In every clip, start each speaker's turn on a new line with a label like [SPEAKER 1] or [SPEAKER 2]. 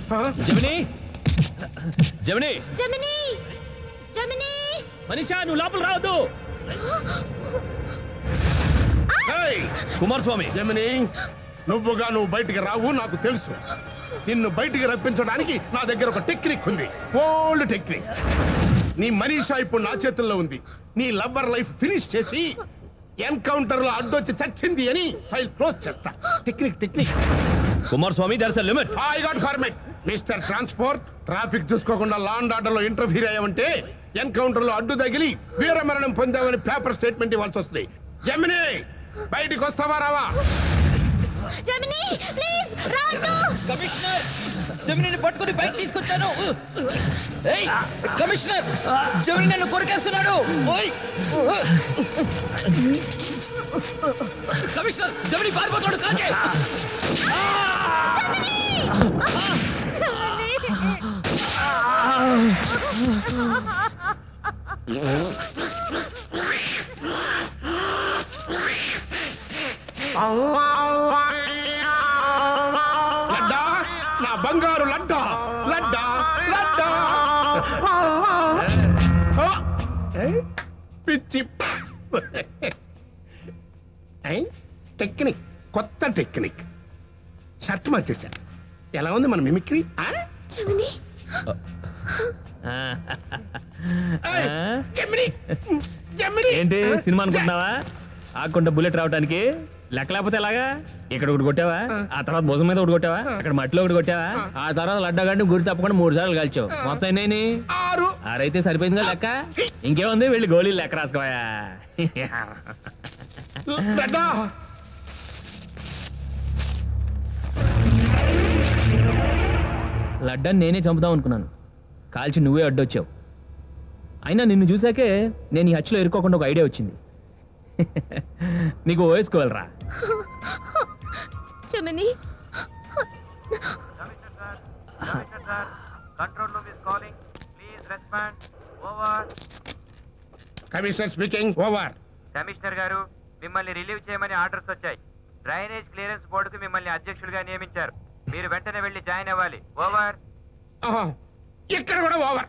[SPEAKER 1] జమిని జమిని
[SPEAKER 2] జమిని జమిని
[SPEAKER 1] మనీషా నువ్వు లోపల రావద్దు. కుమారస్వామి.
[SPEAKER 3] జమిని నువ్వు బయటికి రావు నాకు తెలుసు. నిన్ను బయటికి రప్పించడానికి నా దగ్గర ఒక టెక్నిక్ ఉంది, ఓల్డ్ టెక్నిక్. నీ మనీషా ఇప్పుడు నా చేతుల్లో ఉంది. నీ లవ్వర్ లైఫ్ ఫినిష్ చేసి ఎన్కౌంటర్ లో అడ్డొచ్చి చచ్చింది అని ఫైల్ క్లోజ్ చేస్తా. Technique
[SPEAKER 1] Kumaraswamy, there is a limit.
[SPEAKER 3] I got format. Mister transport, traffic చూసుకోకుండా లా అండ్ ఆర్డర్ లో ఇంటర్ఫీర్ అయ్యామంటే ఎన్కౌంటర్ లో అడ్డు తగిలి వీరమరణం పొందామని పేపర్ స్టేట్మెంట్ ఇవ్వాల్సి వస్తుంది. జమిని బయటికి వస్తావా రావా?
[SPEAKER 2] జమిని ప్లీజ్ రావద్దు.
[SPEAKER 1] కమిషనర్, జమినిని పట్టుకుని బయట తీసుకొచ్చాను. ఏయ్ కమిషనర్, జమిని నన్ను కొరికేస్తున్నాడు. ఓయ్ కమిషనర్, జమిని పారిపోతాడు. కాకే
[SPEAKER 3] లడ్డా, నా బంగారు లడ్డా, లడ్డా లడ్డా. పిచ్చి టెక్నిక్, కొత్త టెక్నిక్. షర్ట్ మార్చేశాను. ఎలా ఉంది మన మిమిక్రీ?
[SPEAKER 2] జమిని
[SPEAKER 1] ఏంటి సినిమా అనుకుంటున్నావా? ఆకుండా బుల్లెట్ రావడానికి లెక్క లేకపోతే ఎలాగా? ఇక్కడ ఒకటి కొట్టావా, ఆ తర్వాత భుజం మీద ఒకటి కొట్టావా, అక్కడ మట్టిలో ఒకటి కొట్టావా, ఆ తర్వాత లడ్డా గంటే గురి తప్పకుండా 3 సార్లు కాల్చావు. మొత్తం ఎన్ని?
[SPEAKER 3] 6.
[SPEAKER 1] ఆరైతే సరిపోయిందిగా లెక్క. ఇంకేముంది, వెళ్ళి గోళీలు లెక్క రాసుకోయా.
[SPEAKER 3] లడ్డా
[SPEAKER 1] లడ్డాన్ని నేనే చంపుదాం అనుకున్నాను, కాల్చి నువ్వే అడ్డొచ్చావు. అయినా నిన్ను చూసాకే నేను ఈ హత్యలో ఇరుక్కోకుండా ఒక ఐడియా వచ్చింది. నీకు వేసుకోవాలరా.
[SPEAKER 2] Gemini
[SPEAKER 3] commissioner speaking. Over.
[SPEAKER 4] Commissioner గారు, మిమ్మల్ని రిలీవ్ చేయమని ఆర్డర్స్ వచ్చాయి. డ్రైనేజ్ క్లియరెన్స్ బోర్డుకు మిమ్మల్ని అధ్యక్షుడిగా నియమించారు. మీరు వెంటనే వెళ్లి జాయిన్ అవ్వాలి. ఓవర్.
[SPEAKER 3] ఇక్కడ కూడా ఓవర్.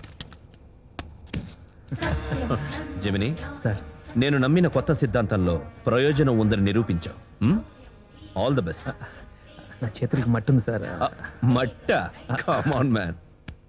[SPEAKER 5] జమిని
[SPEAKER 1] సార్,
[SPEAKER 5] నేను నమ్మిన కొత్త సిద్ధాంతంలో ప్రయోజనం ఉందని నిరూపించావు. All the best.
[SPEAKER 1] నా చేతులకి మట్టుంది సార్.
[SPEAKER 5] మట్ట, కమ్ ఆన్ మ్యాన్.